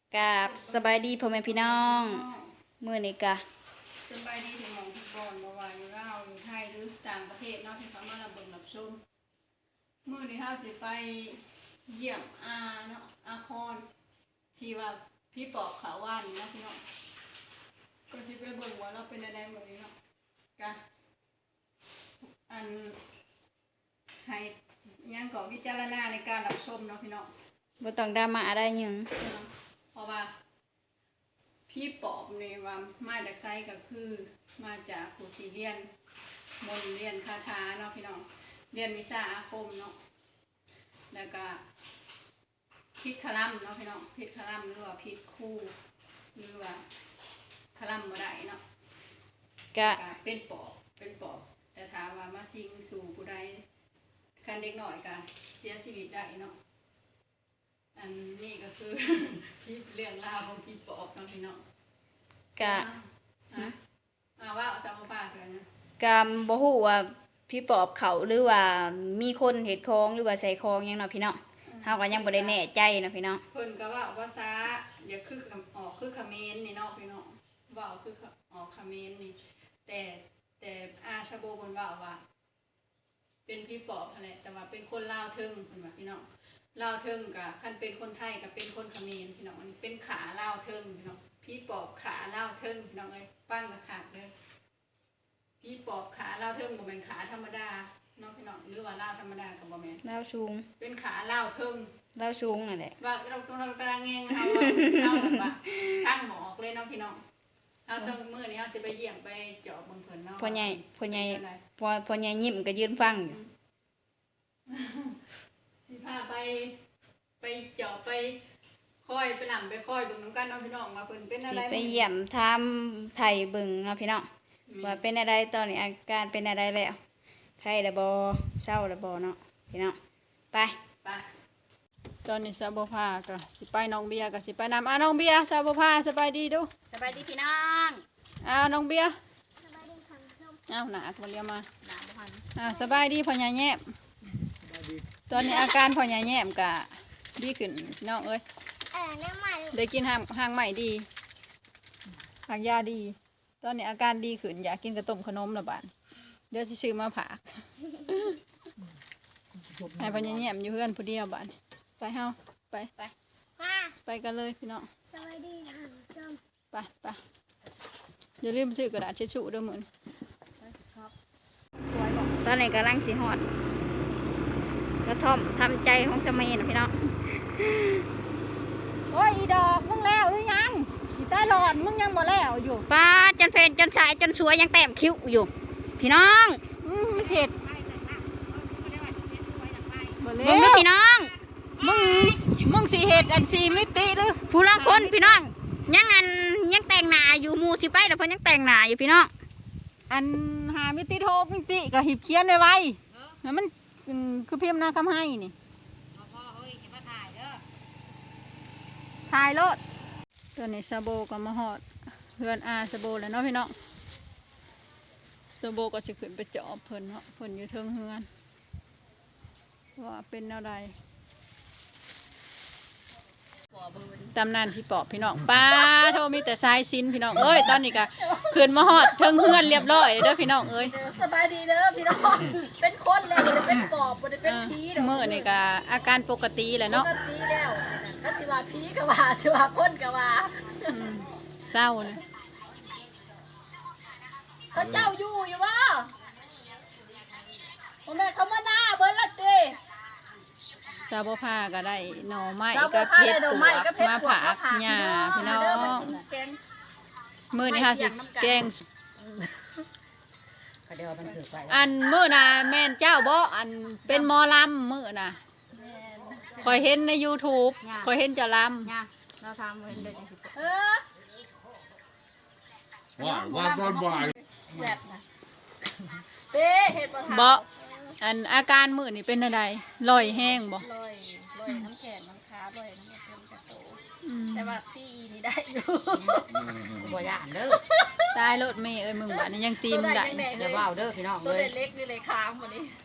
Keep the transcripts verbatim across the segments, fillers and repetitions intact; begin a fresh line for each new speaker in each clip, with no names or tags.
กับสบายดีพ่อแม่พี่น้องมื้อนี้กะ
สบายดีถึงมองทุกคนบ่ว่าอยู่ลาวอยู่ไทยหรือต่างประเทศเนาะที่เขามารับเบิ่งรับชมมื้อนี้เฮาสิไปเยี่ยมอาเนาะอาคอนที่ว่าพี่ปอบขาว่านนี่เนาะพี่น้องก็สิไปเบิ่งว่าเราเป็นอะไรมื้อนี้เนาะกะอันให้ยังก็วิจารณาในการรับชมเนาะพี่น้อง
บ่ต้องดราม่าอะไรหยัง
เพราะว่าพี่ปอบเนี่ยว่ามาจากไซก็คือมาจากครูที่เรียนมนต์เรียนคาถาเนาะพี่น้องเรียนวิชาอาคมเนาะแล้วก็พิษคลัมเนาะพี่น้องพิษคลัมหรือว่าพิษคู่หรือว่าคลัมบ่ได้เนาะ
กะ
ก็เป็นปอบเป็นปอบแต่ถามว่ามาสิงสู่ผู้ใดคันเด็กหน่อยก็เสียชีวิตได้เนาะอันนี้ก็คือ ที่เรื่องราวของพี่ปอบเนาะพี่น้อง
กะ
อ่ะอ่าว่าเอาสามปากเลยนะ
กะบ่ฮู้ว่าพี่ปอบเขาหรือว่ามีคนเฮ็ดของหรือว่าใส่ของหยังเนาะพี่น้องเฮาก็ยังบ่ได้แน่ใจเนาะพี่น้อง
เพิ่นก็ว่าภาษาอย่าคือออกคือเขมรนี่เนาะพี่น้องว่าคือออกเขมรนี่แต่แต่อาชาโบเพิ่นว่าว่า เป็นพี่ปอบอะไรแต่ว่าเป็นคนลาวเทิงเพิ่นว่าพี่น้องลาวเทิงกับคันเป็นคนไทยกับเป็นคนเขมรพี่น้องอันนี้เป็นขาลาวเทิงพี่น้องพี่ปอบขาลาวเทิงพี่น้องเอ้ยปั้งกระขาดเลยพี่ปอบขาลาวเทิงบ่แม่นขาธรรมดาเนาะพี่น้องหรือว่าลาวธรรมดาก็บ่แม่น
ลาวสูง
เป็นขาลาวเทิง
ลาวสูงนั่นแหละ
ว่าเราต้องเราตารางเงงเอาว่าเอาแบบว่าตั้งหมอกเลยเนาะพี่น้องเอาต้องมื้อนี้เฮาสิไปเยี่ยมไปเจาะเบิ่งเพิ่นเนาะ
พ่อใหญ่พ่อใหญ่
เป็นอะไร
พ่อพ่อใหญ่ยิ้มก็ยืนฟังอยู่
สิพาไปไปเจาะไปค่อยไปหลังไปค่อยเบิ่งน้ำกันเนาะพี่น้องว่าเพิ่นเป็นอะ
สิ
ไร
ไปเยี่ยมถามไทยเบิ่งเนาะพี่น้องว่าเป็นอะไรตอนนี้อาการเป็นอะไรแล้วไข้แล้วบ่เศร้าแล้วบ่เนาะพี่น้องไป
ไปตอนนี้ซาบ่พาก็สิไปน้องเบียร์ก็สิไปนำอ่ะน้องเบียร์ซาบ่พาสบายดีดู
สบายดีพี่น้อง
อ้าวน้องเบียร์อ้าวหนาตัวเรียมา
หลานบ่ทัน
อ่าสบายดีพ่อใหญ่แย้มตอนนี้อาการพ่อใหญ่แย้มก็ดีขึ้นพี่น้องเอ้ย
เออน้ำมัน
ได้กินห้างห้างใหม่ดีหางยาดี ตอนนี้อาการดีขึ้นอยากกินกระต้มขนมละบาดเดี๋ยวสิซื้อมาผาก ให้พ่อใหญ่แย้มอยู่เพื่อนผู้เดียวบาดไปเฮาไปไป
มา
ไปกันเลยพี่น้อง
สวัสดีค่ะชม
ไปไปอย่าลืมซื้อกระดาษเช็ดชูด้วยเหมือน
ตอนนี้กำลังสิฮอดกระท่อมทำใจของสมัยนะพี่น้อง
โอ้ยอีดอกมึงแล้วหรือยังอีตาหลอดมึงยังบ่แล้วอยู่
ป้าจนเพลนจนสายจนสวยยังแต้มคิ้วอยู่ พี่น้อง
อืมเจ็ดบ่
เบิ่
แล้
งดู
ว
พี่น้อง
มึงมึงสีเห็ดอันสีมิติหรือ
ผู้ละคนพี่น้อง ยังอันยังแต่งหน้าอยู่หมูสิไปแล้วเพิ่นยังแต่งหน้าอยู่พี่น้อง
อันหามิติโทมิติก็หิบเขียนไว้ไว้แล้วมันอืมคือเพียมหน้าคำให้นี่ถ่ายรถตอนนี้ซาโบก็มาหอดเพื่อนอาซาโบแล้วเนาะพี่น้องซาโบก็จะขึ้นไปเจาะเพิ่นเนาะเพิ่นอยู่เทิงเฮือนว่าเป็นอะไรตำนานพี่ปอบพี่น้องป้าโทมีแต่ทรายซินพี่น้องเอ้ยตอนนี้ก็ขึ้นมาหอดเทิงเฮือนเรียบร้อยเด้อพี่น้องเอ้ย
สบายดีเด้อพี่น้องเป็นคนแล้วบ่ได้เป็นปอบบ่ได้เป็นผีดอก
เมื่อนี่ก็อาการปกติแหละ
เนาะ
เนาะ
ผีแล้วก็สิว่าผีก็ว่าสิว่าคนก็ว่า
อืมเศร้าเลย
เขาเจ้าอยู่อยู่ว่าบ่แม่นเขามาหน้าเบิ่นละติ
ซาบผ้าก็ได้หน่อไม้
เรา
ก็
ก็
เพ
เพ
ช
ช
ร
ร
ตั
ตัว ว
มา
ก็เพชร
ผากหญ้าพี่น้องมื้อนี้ห้าสิบแกง
เขาเดียวมันถือไป
อันมื้อน่ะแม่นเจ้าบ่อันเป็นหมอลำมื้อน่ะคอยเห็นใน YouTube คอยเห็นเจ้าล
เนี่ยเราทำเพิ่นเดินจังสิ
เออ
ว่าว่าตอนบ่าย
แซ่บนะเด้เฮ็ดบ่
ำ
ทัน
บ่อันอาการมื้อนี่เป็นอะไรลอยแห้งบ่
ลอยลอยน้ำแข็งน้ำค้าลอยน้ำเค็มกระโต
อืม
แต่ว่าตีอีนี่ได้อยู่
บ่ย่านเด้อ
ตายรถเมย์เอ้ยมึงบัดนี้ยังตีมได้
ตัวใดยังแดง
อย่าว่าวเด้อพี่น้อง
ตัว
เอ้ย
เล็กๆนี่เลยค้างหมดนี่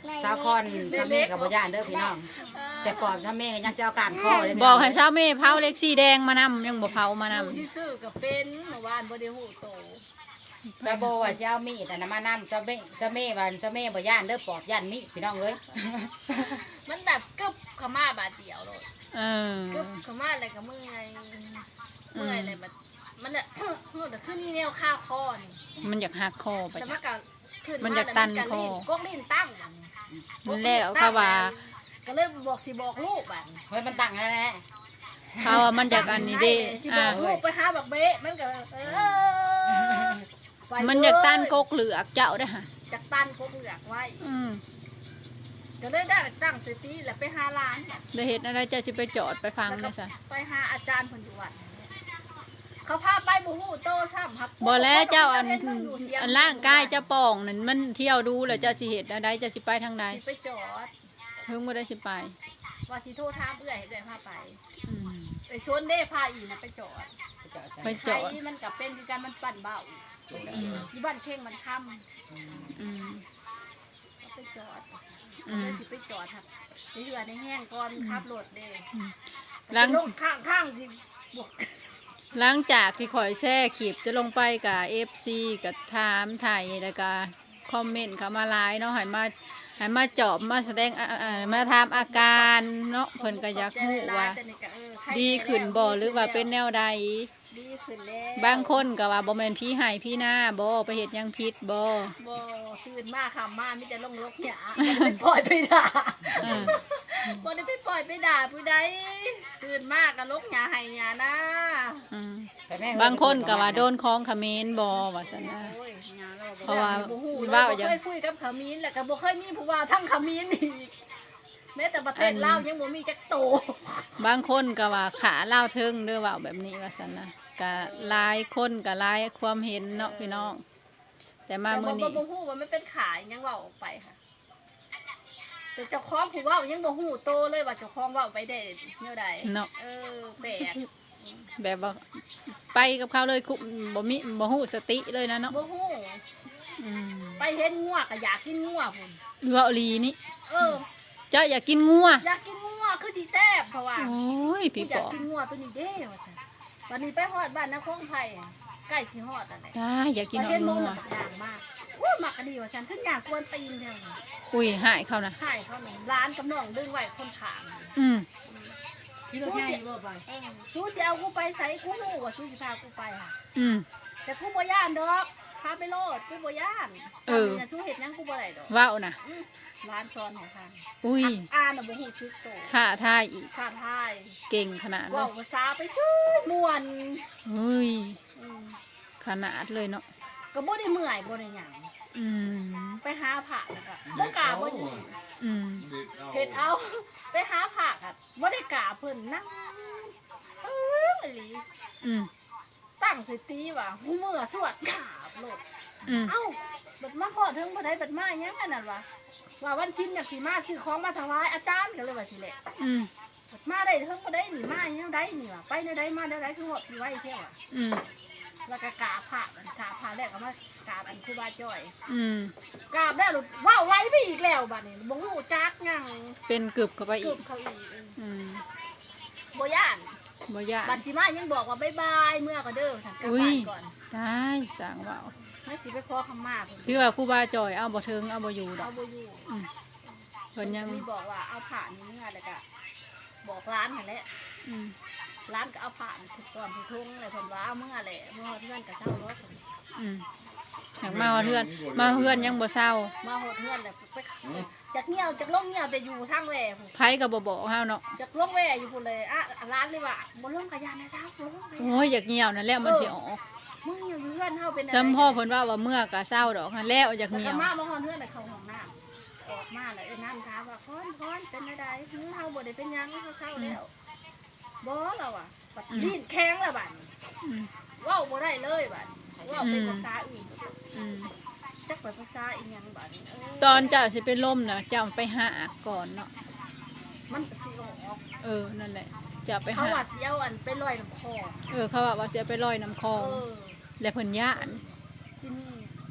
สาวคอนซาเม่กับบ่ย่านเด้อพี่น้องแต่ปอบซาเม่ก็ยังสิเอาการคอเลย
บอกให้เช้าแม่เผาเล็กสีแดงมานำยังบ่เผามานำ
ผู้ที่ซื้อก็เป็นเมื่อวานบ่ได้ฮู้โต
ซาโบว่าสิเอามีดอันนั้นมานำซาเม่ซาเม่ว่าซาเม่บ่ย่านเด้อปอบย่านมีดพี่น้องเอ้ย
มันแบบกึบเข้ามาบาดเดียวเลย
เออก
ึบเข้ามาอะไรก็เมื่อยเมื่อยอะไรแบบมันน่ะ มันน่ะคือนี่แนวข้าวคอนี่
มันอยากหักคอไป
แต่
จ้ะ
มันก็ขึ้น
มันอยากตันคอ
กกลิ้นตั้งบัดนี้
แล้วเขาว่า
ก็เลยบอกสิบอกลูกบัด
เฮ้ยมันตั้งแล้วแหละ
เขาว่ามันอยากอันนี้เด้
สิบ
อ่า
อกลูกไปหาบักเบ๊ะมันก็เออไป
มันอยากตันกกเหลือกเจ้าได้อฮะ
จากตันกกเหลือกไว้
อืม
ก็เลยได้ตั้งสติแล้วไปหาร้านเนี่ย
ได้เฮ็ดอะไรเจ้าสิไปจอดไปฟัง
แล้วก็
ได้ซะ
ไปหาอาจารย์ผลอยู่วัดเขาพาไปบูฮูโตซ้ำครับ
บ่แล้วเจ้าอัน
เห็มัยู่เถีย
อันร่างกายเจ้าป่องนั่นมันเที่ยวดูแล้วเจ้าสิเฮ็ดอะไรเจ้าสิไปทางใด
สิไปจอด
เพิ่งบ่ได้สิไป
ว่าสิโทรถามเอื้อยให้เอื้อยพาไป
อืม
ไอ้ชนเด้พาอีนะไปจอด
ไปจอด
ใครมันกับเป็นคือการมันปั่นเบาอยู่บ้านเข่งมันค่ำ
อืม
ไปจอด
อืม
เลยสิไปจอดครับในเรือในแห้งก่อนขับรถเด้
หลัง
ลงข้างข้างๆสิบวก
หลังจากที่ข่อยแช่คลิปจะลงไปกับ เอฟ ซี กับถามถ่ายแล้วก็คอมเมนต์เข้ามาหลายเนาะให้มาให้มาจอบมาแสดงอ่าอ่ามาถามอาการเนาะเพิ่นก็อยากรู้ว่า
แต่นี่ก็เออใคร
ดีขึ้นบ่หรือว่าเป็นแนวใด
ดีขึ้นแล้ว
บางคนก็ว่าบ่แม่นพี่ให้พี่หน้าบ่ไปเฮ็ดหยังผิดบ่
บ่ตื่นมาคำมามีแต่ลงรกหยาบ่ได้ไปปล่อยไปด่า
เออ
บ่ได้ไปปล่อยไปด่าผู้ใดตื่นมาก็ลกหยาให้หยานะ
อืม
แต่แม่
บางคนก็ว่าโดนของเขมรบ่ว่าซั่นนะ
โอ้ยหยาเรา
เพราะว่า
บ่ฮู้เลย
ว่า
บ่
อย่าง
เคยคุยกับขมิ้นแล้วก็บ่เคยมีผู้ว่าทั้งขมิ้นอีกแม้แต่ประเทศลาวยังบ่มีจักโต
บางคนก็ว่าขาเล่าวเทิงเด้อว่าแบบนี้ว่าซั่นนะก็หลายคนก็หลายความเห็นเนาะพี่น้อง แต่มา
แต่
มื้
บ่
อ
บ่
นี้
บ่ฮู้ว่ามันเป็นขายยังเว้าออกไปค่ะ แต่เจ้าของผู้เว้ายังบ่ฮู้โตเลยว่าเจ้าของเว้าไปได้แนวใด
เนาะ
เออแปลก
แบบว่าไปกับเขาเลยคุบ่มีบ่ฮู้สติเลยนะเนาะ
บ่ฮู้
อืม
ไปเห็นงัวก็อยากกินงัวพุ่น
เว้าอีหลีนี่
เออ
เจ้าอยากกินงัว
อยากกินงัวคือสิแซ่บเพราะว่า
โอ้ย
กู
พี่
อ
ป
ยาก
อ
กินงัวตัวนี้เด้ว่าซั่นวันนี้ไปฮอดบ้านนครไผอะใกล้สิฮอดอันไหน
อ่าอยากกิน
ไป
เอา
เห็นหมู
งัว
น่ะย่างมากโอ้ยมักอันนี้ว่าฉันขึ้นย่างกวนตีนแท้ว่ะ
อุ้ยหายเขานะ
ให้เขาหนึ่งร้านกับน้องดึงไว้คนขาง
อืม
สู้สิเออสู้สิเอากูไปใส่กูฮู้ว่าสู้สิพากูไปค่ะ
อืม
แต่กูบ่ย่านดอกพาไปโลดกูบ่ย่าน
เออ
สามีน่ะสู้เฮ็ดหยังกูบ่ได้ดอก
เว้านะ
อื้อร้านช้อนของทาง
อุ้ย
อ่านน่ะบ่ฮู้ซึกโต
ท่าทายอีก
ท่าทาย
เก่งขนาดเล
เว้าย ภาษาไปชื่อม่วน
เฮ้ย
อืม
ขนาดเลยเนาะ
ก็บ่ได้เมื่อยบ่ได้หยัง
อืม
ไปหาผักแล้วก็บ่กล้าบ่อยู่
อืม
เฮ็ดเอา ไปหาผักอ่ะบ่ได้กล้าเพิ่นนั่งเอออีหลี
อืม
ตั้งสติว่าหูมือสวดขาบโลด
อืม
เอ้าบัดมาพอถึงบ่ได้บัดมาหยังอันนั้นวะว่าวันชินอยากสิมาซื้อของมาถวายอาจารย์ก็เลยว่าสิแหละ
อืม
บัดมาได้ถึงบ่ได้นี่มาแนวใดนี่วะไปแนวใดมาแนวใดคือฮอดพี่ไว้แท้ว่ะ
อืม
แล้วก็กราบพระอันกราบพระแล้วก็มากราบอันครูบาจ้อย
อืม
กราบแล้วหลุดว้าวไว้ไปอีกแล้วบัดนี้บ่ฮู้จักหยัง
เป็นกึบเข้าไป
กึ
อีก
บเขาอีก
อืม
บ่ย่าน
บ่ยาก
บัดสิมายังบอกว่าบ๊ายบายเมื่อก็เด้อสั่นกลับ
อุ้
บ้าย นก่อน
ได้สั่งเว่า
ไม่สิไปขอคำมาเพิ่น
พี่ว่าครูบาจอยเอาบ่เทิงเอาบ่อยู่ดอ
เอา
ก
บ่อยู่
อืมเพิ่นยัง
มีบอกว่าเอาผ่านนี่เมื่อแล้วก็บอกร้านนั่นแหละ
อืม
ร้านก็เอาผ่านถูกก่อนถูกทุ่งเลยเพิ่นว่าเอาเมื่อแหละเมื่อเพื่อนก็เศร้ารถ
อืมอยากมาเฮือน มาเฮือนยังบ่เศร้า
มาหดเพื่อนแหละไปจากเงี้ยวจากลงเงี้ยวแต่อยู่ทางแหว่พุ่น
ไผก็บ่บอกเฮาเนาะ
จากลงแหว่อยู่พุ่นเลยอ่ะร้านเลยว่าบ่ลงกระยานนะเจ้าบ่ลงกระยาน
โอ้ยอยากเหี่ยวนั่นแหละมันสิออก
มึงเงี้ยวอยู่เพื่อนเฮาเป็นอะไร
ซ้ำพ่อเพิ่นว่าว่าเมื่อก็เศร้าดอกหั่นแล้วอยาก
แล้ว
เหี่
ก็
ยว
มามาหอนเพื่อนน่ะเข้าห้องน้ำออกมาแล้วเอ้นน้ำถามว่าพรพรเป็นอะไรหือเฮาบ่ได้เป็นหยังเฮาเศร้าแล้วบ่เราอ่ะบัดดิ้นแข็งแล้วบัด
อืม
เว้าบ่ได้เลยบัดเว้าเป็นภาษาอื่น
อืม
จักไปภาษาอีหยังบัดเออ
ตอนเจ้าสิเป็นลมน่ะเจ้าไปหาก่อนเนาะ
มันสิออก
เออนั่นแหละจะไป
เขา
หา
ว่าสิเอาอันไปลอยน้ำคอ
เออเขาว่าว่าจะไปลอยน้ำคลอง
เออ
และเพิ่นย่าน
สิมี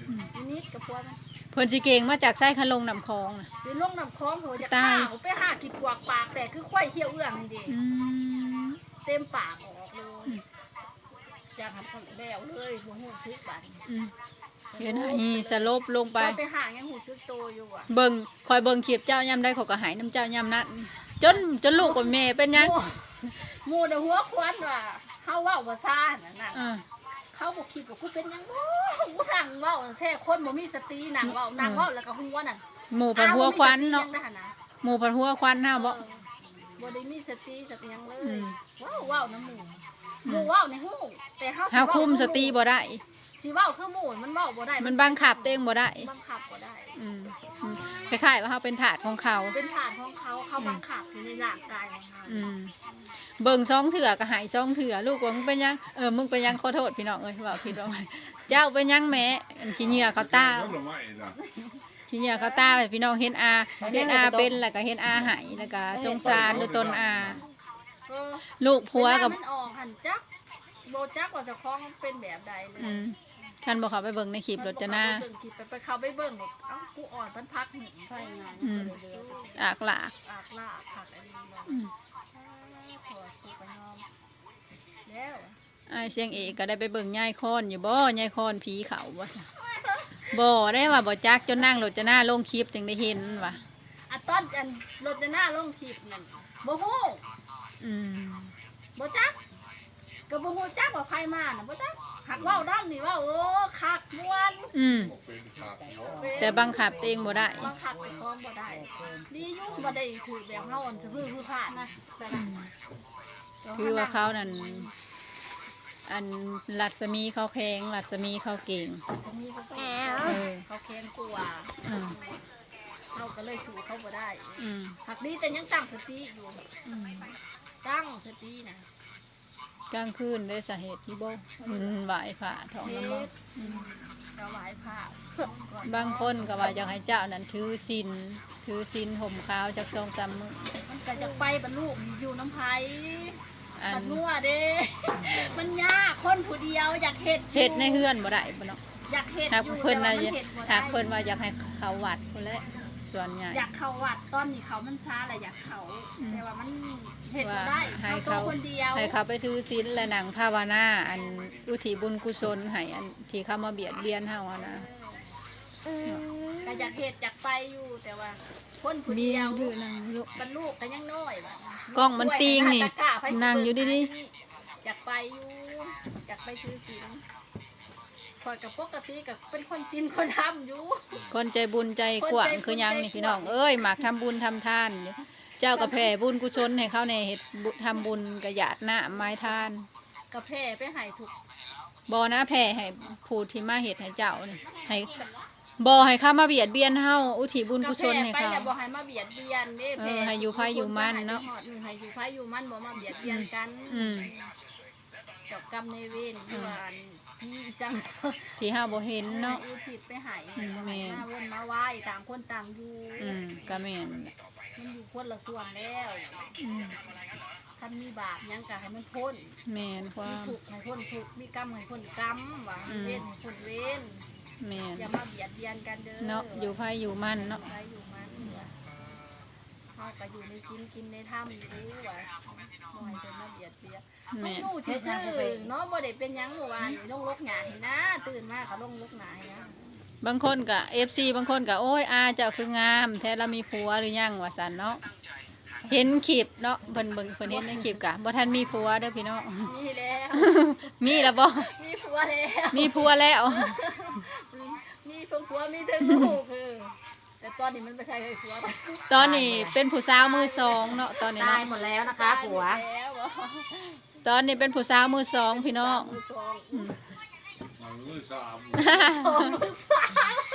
อีนิดกับพวกมัน
เพิ่นสิเก่งมาจากไส้คันลงน้ำคลองน่ะ
สิลงน้ำคลองโหจะ
ตา
ข้าย วไปหากินปวกปากแต่คือควายเขี้ยวเอื้องนี่ดิ
อืม
เต็มปากออกเลยจากหันคนแล้วเลยหัวหูซึกบัด
อืมเห็นไหมสลบลงไป
ตอนไปหายังหูซึกโตอยู่อ่ะ
เบิ่งคอยเบิ่งคลิปเจ้ายามได้เขาก็หายน้ำเจ้ายามนั้นจนจนลูกกับแม่เป็นหยัง
หมู่น่ะหัวควันว่าเฮาเว้าบ่ซ่าน่ะนั่น
อ่า
เขาบ่คิดว่ากูเป็นหยังบ่กูนั่งเว้าแท้คนบ่มีสตินั่งเว้านั่งเว้าแล้วก็หัวนั่น
หมู่พันหัวควันเนาะ
อ้บ่มีสติหยังนะ
หมู่พันหัวควันเฮาบ่
เออบ่ได้มีสติสักหยังเล
อื
ย
ม
ว้าวว้าวน้ำหมู่หมู่ว้าวในหูแต่เฮาสิ
เฮา
เว้า
คุมสติบ่ได้
สิเว้าคือหมู่มันเว้าบ่ได้
มันบังคับตัวเองบ่ได้
บังคับบ่ได้
อืมอืมคล้ายๆว่าเฮาเป็นถาดของเขา
เป็นฐานของเขาเขาบังคับอยู่ในร่างกายของเขา
อืมเบิ่งซองเถื่อก็หายซองเถื่อลูกว่ามึงเป็นหยังเออมึงเป็นหยังขอโทษพี่น้องเอ้ยว่าผิดว่าไงเจ้าเป็นหยังแม่อันขี้เหงื่อเขาตา
น้ำลงมาอีกนะ
ขี้เหงื่อเขาตาให้พี่น้องเห็นอาเห็นอาเป็นแล้วก็เห็นอาหายแล้วก็สงสารดูตนอา
เออ
ลูกผัวกับ
เวลามันออกหันจักโบจักว่าเจะคล้าของเป็นแบบใดเลย
อืมท่านบอกเขาไปเบิ่งในคลิปรถจะหน้า
เบิ่งคลิปไปไปเขาไปเบิ่งหมดเอ้ากูอ่อนมันพักหนึ่ง
ไฟงาน
อืมอากหลาก
อากลากผักอันนี้เลย
อืม
ถอดกูไปนอนแล้ว
ไอ้ายเสียงเอกก็ได้ไปเบิ่งยายคอนอยู่บ่ยายคอนผีเขาบ่ซะบ่ได้ว่าบ่จักจนนั่งรถจะหน้าลงคลิปจึงได้เห็นว่ะ
อะตอนอันรถจะหน้าลงคลิปนั่นบ่ฮู้
อืม
บ่จักก็บ่ฮู้จักว่าใครมาน่ะบ่จักหักเว้าดํนี่ว่าโอ้คักม่วน
อืม
เป็นขาดเนาะ
แต่บังคับตัวเองบ่ได้
บังคับเจ้าของบ่ได้ดีอยู่บ่ได้ถือแบบเฮาอันสะพื้นผู้พลาดนะแต่ละ
คือว่าเขานั่นอันรัศมีเขาแข็งรัศมีเขาเก่ง
จะมีเขา
เออ
เขาแค้นกลัว
อืม
เราก็เลยสู้เขาบ่ได้
อืม
หักดีแต่ยังตั้งสติอยู่
อืม
ตั้งสตินะ
กลางคืนได้สาเหตุที่บ่อืมไหวผ่าท้อง
เฮ็
น้ำบ่
ดถวายผ้า
บางคนก็ว่าอยากให้เจ้านั้นถือศีลถือศีลห่มขาวจากสองสามมื้อ
มันก็จะไปบรรลุอยู่น้ำไผ่
อั
บร
น
รลุเด้ มันยากคนผู้เดียวอยากเฮ็ดอยู่
เฮ็ดในเฮือนบ่ได้บ่เนาะ
อยากเฮ็ด
ถ้า
อยู่
เพิ่น
แต่
ว่า
ว่ามันเฮ็ดบ่
ถ้า
ได้
เพิ่นว่าอยากให้เขาวัดพุ่นแหละส่วนใหญ่
อยากเข้าวัดตอนนี้เขามันช้าแหละอยากเข้า
อืม
แต่ว่ามันเฮ็ดบ่
ว่า
ได้
ให้
เขาตัว
เขา
คนเดียว
ให้เขาไปถือศีลและนั่งภาวนาอันอุทิศบุญกุศลให้อันที่เขามาเบียดเบียนเฮาอะนะ
ก็อยากเฮ็ดอยากไปอยู่แต่ว่าคนผู้
มี
เดียว
ถือนั่งลูก
บรรลุก็ยังน้อยบัด
กล้องมันติงนี่
ตะกร้าไปสิ
นั่งอยู่ดี
อยากไปอยู่อยากไปถือศีลข่อยกับปกติกับเป็นคนจินคนทำอยู่
คนใจบุญใจกว้าง
คนใจบุญ
คือหยังนี่
ใจกว้าง
พี่น้องเอ้ยมักทำบุญทำทานอยู่เจ้าก็แผ่บุญกุศลให้เขาในเฮ็ดบุทำบุญกระหยาดน้ำไม้ทาน
กระแพร่ไปใหายถูก
บ่นะแผ่ให้ผู้ที่มาเฮ็ดให้เจ้านี่ให้บ่ให้เขามาเบียดเบียนเฮาอุทิศบุญ
กระ
กุศ
แพร่
ลให้
ไป
เขา
แล้วบ่ให้มาเบียดเบียนเด้
เออ
แพร่
ให้อยู่ไผอยู่มันเนาะ
ให้ไปฮอดหนึ่งให้อยู่ไผอยู่มันบ่มาเบียดเบียนกัน
อืม
กับกรรมในายเวรที่ว่าอันพี่สัง
ที่เฮาบ่เห็นเนาะ
อุทิศไปให้
อืม
บ่
แม่
ให้
น
มาวนมาไหว้ต่างคนต่างอยู่
อืมก็แม่น
มันอยู่คนละส่วนแล้ว
อืม
คันมีบาปหยังก็ให้มันพ้น
แม่นควา
มี
ม
ถูกข์ให้พ้นถูกข์มีกรรมให้พ้นกรรมว่า
อืม
เวรให้พ้นเวร
แม่น
อย่ามาเบียดเบียนกันเด้อ
เนาะอยู่ไผอยู่มันเนาะ
ไปอยู่มันว่าเฮาก็อยู่ในศีลกินในธรรมอยู่ว่าบ่ให้เพิ่นมาเบียดเบียน
แม่น
อยู่ซื่อๆเนาะบ่ได้เป็นหยังเมื่อวานนี่ลงลกหญ้าให้นะ ตื่นมาก็ลงลกหญ้าให้นะ
บางคนก็ เอฟ ซี บางคนก็โอ้ยอาเจ้าคืองามแท้เรามีผัวหรือยังว่าซั่นเนาะเห็นคลิปเนาะเพิ่นเบิ่งเพิ่นเห็นในคลิปกะบ่ทันมีผัวเด้อพี่น้อง
มีแล้ว
มีแล้วบ่
มีผัวแล้ว
มีผัวแล้ว
มีเพิ่งผัวมีถึงลูกคือแต่ตอนนี้มันไม่ใช่เลยผัว
ตอนนี้เป็นผู้สาวมือสองเนาะตอนนี้
ตาย
เนาะ
หมดแล้วนะคะผัว
ตายหมดแล้วเหรอ
ตอนนี้เป็นผู้สาวมือสองพี่น้อง
มือสอง
อืม
มันมือสาม
สองมือสาม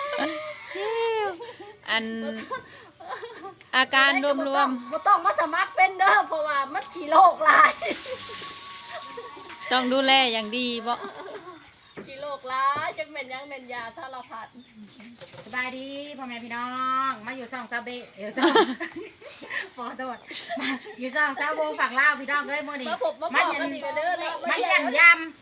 อันอาการรวม
บ่ต้องมาสมัครเป็นเด้อเพราะว่ามันขี่โรคหลาย
ๆต้องดูแลอย่างดีบ่
ขี่โรคหลายจังเป็นหยังเป็นยาสารพัด
สบายดีพ่อแม่พี่น้องมาอยู่ซ่องซาเบะเดี๋ยวซ่อง ขอโทษมาอยู่ซ่องซาโบฝั่งลาวพี่น้องเอ้ยมื้อนี้
มาพบมาพบกันอีกเด้อแล้ว
มาเยี่ยมย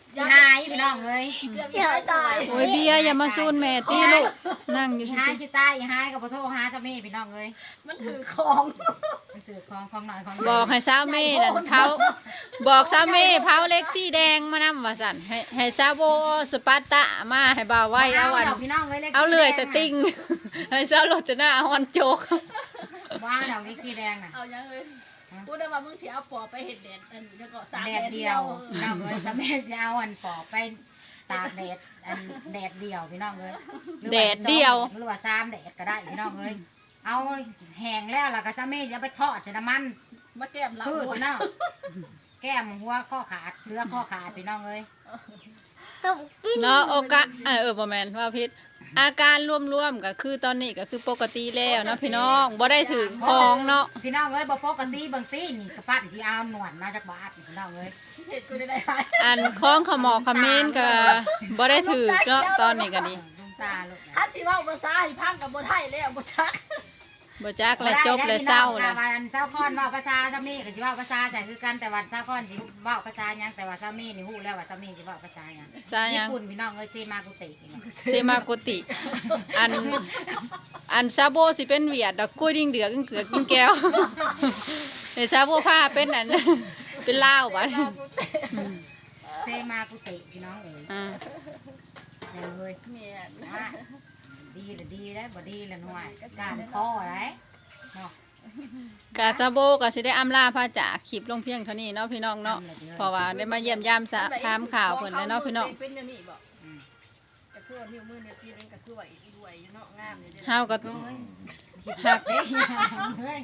อีหายพี่น้องเอ้ย
เกือบยายตาย
โอ้ยเบียร์อย่ามาซูนแม่ตีลูกนั่งอ
อี
ยู่
หาย
ซื่อ
สิตายอีหายก็บ่โทรหาเจ้าแม่พี่น้องเอ้ย
มันถือของ
มันเจอของของหน่อยของ
ๆบอกให้สาวเม่นั่นเขาบอกสาวเม่เผาเล็กสีแดงมานำว่าสั่นให้ให้ซาโบสปาร์ตะมาให้บ่าวไว้เอาอัน
ดกพี่น้องเอ้ย
เอาเลื่อยสติง ให้สาวรถจะหน้าฮอนโจก
ว่าดอกเล็กสีแดงน่ะ
เอายังเลยพูดได้ว่ามึงสิเอาปอไปเฮ็ดแดดอันแล้วก็ตาก
แด
แด
ด
ด
เดี
เดี
ย
ยว ว
พี่น้องเอ้ยสะแม่สิเอาอันปอกไปตากแดดอันแดดเดียวพี่น้องเอ้ยหรือว่า
แดดเดียว
หรือว่าสามแดดก็ได้พี่น้องเอ้ยเอาแห้งแล้วล่ะก็สะแม่สิเอาไปทอดใส่น้ำมัน
มาแก้มหลัง
พืช
หมด
พี่น้องแก้มหัวข้อขาดเสื้อข้อขาดพี่น้องเอ้ย
เนาะโอกะเออเออบ่แม่นว่าพิษอาการรวมๆก็คือตอนนี้ก็คือปกติแล้วเนาะพี่น้องบ่ได้ถึงของเนาะ
พี่น้องเอ้ยบ่ปกติบางทีนี่กระปั้นสิเอาหนวดมาจากบาทพี่น้องเอ้ย
เฮ็ดกูได้ได้
อันของขมอกขมิ้นก็บ่ได้ถือเนาะตอนนี้ก็ดี
ลุงตาลูก
คันสิเว้าภาษาให้พังกับบ่ได้แล้วบ่ชัก
บ่จักและจบและเศร้า
แล้
แล้ว ว
วันเจ้าคอนเว้าภาษาซามีก็สิเว้าภาษาใส่คือกันแต่วันเจ้าคอนสิเว้าภาษาหยังแต่ว่าซามีนี่ฮู้แล้วว่าซามีสิเว้าภาษาหยัง
ซาหยัง
ญี่ปุ่นพี่น้องเอ้ยเซมากุตินี่
เซมากุติ อันอันซาโบสิเป็นเวียดดอกกล้วยดิ้งเดือกกินเกือกกินแก้ว เฮ้ซาโบผ้าเป็นอัน เป็นลาวบัด
เซมากุติพี่น้องเอ้ย
อ่า
แม่นเอ้ย
แม่น
ว่าดีละดีแล้วบ่ดีละหน่วยการคออะไรเนาะ
กาซาโบก็สิได้อำลาพระจากคลิปลงเพียงเท่านี้เนาะพี่น้องเนาะเพราะว่าได้มาเยี่ยมยามสะถามข่าวเพิ่นแล้วเนาะพี่น้อง
เป็นอย่างนี้บ่ก็คือว่านิ้วมือนิ้วตีนเองก็คือว่าอีกด้วยอยู่เนาะงามอยู่เด้อ
เฮาก็
ก็เอ้ยหักเด้เฮ้ย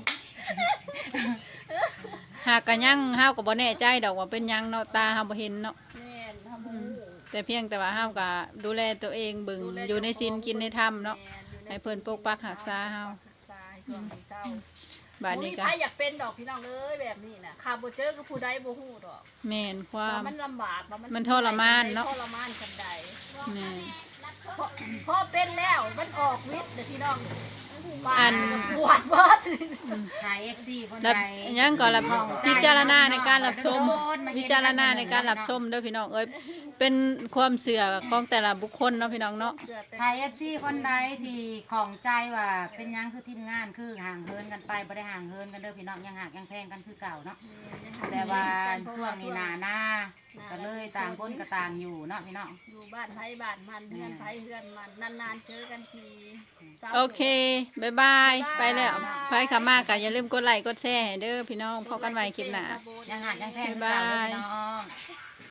หากก็ยังเฮาก็บ่แน่ใจดอกว่าเป็นหยังเนาะตาเฮาบ่เห็นเนาะ
แม่นทำบ่ฮู้
แต่เพียงแต่ว่าเฮาก็ดูแลตัวเองเบิ่งอยู่ในศีลกินในธรรมเนาะให้เพิ่นปกปักรักษาเฮา
สายช่วงที่เศร้า
บาดนี้ก็
ถ้าอยากเป็นดอกพี่น้องเอ้ยแบบนี้น่ะข้าบ่เจอก็ผู้ใดบ่ฮู้ดอก
แม่นควา
ว่าม มันลำบากว่ามัน
มันทรมานเนาะ
ทรมานกันใด
แม่น
พอพอเป็นแล้วมันออกฤทธิ์เด้อพี่น้อง
อัน
ปวดเบิด
ถ่าย เอฟ ซี คน
รับ
ใด
ยังก็รับพิจารณาในการรับชม
โดนมาเห็น
พิจารณาในการรับชมเด้อพี่น้องเอ้ยเป็นความเสื่อของแต่ละบุคคลเนาะพี่น้องเนาะ
เสื้อเต็ม
ถ่าย เอฟ ซี คนใดที่ของใจว่าเป็นหยังคือทีมงานคือห่างเหินกันไปบ่ได้ห่างเหินกันเด้อพี่น้องยังหักยังแพงกันคือเก่าเนาะแต่ว่าช่วงนี้หนาหน้าก็เลยต่างคนก็ต่างอยู่เนาะพี่น้อง
อยู่บ้านไผบ้านมันเพื่อนไผเพื่อนมันนานๆเจอกันทีศร้า
โอเคบ๊ายบายไปแล้วไปขามาก็อย่าลืมกดไลค์กดแชร์ให้เด้อพี่น้องพบกันใหม่คลิปหน้า
ยังหักยังแพงคือเก่าเด้อพี่น้อง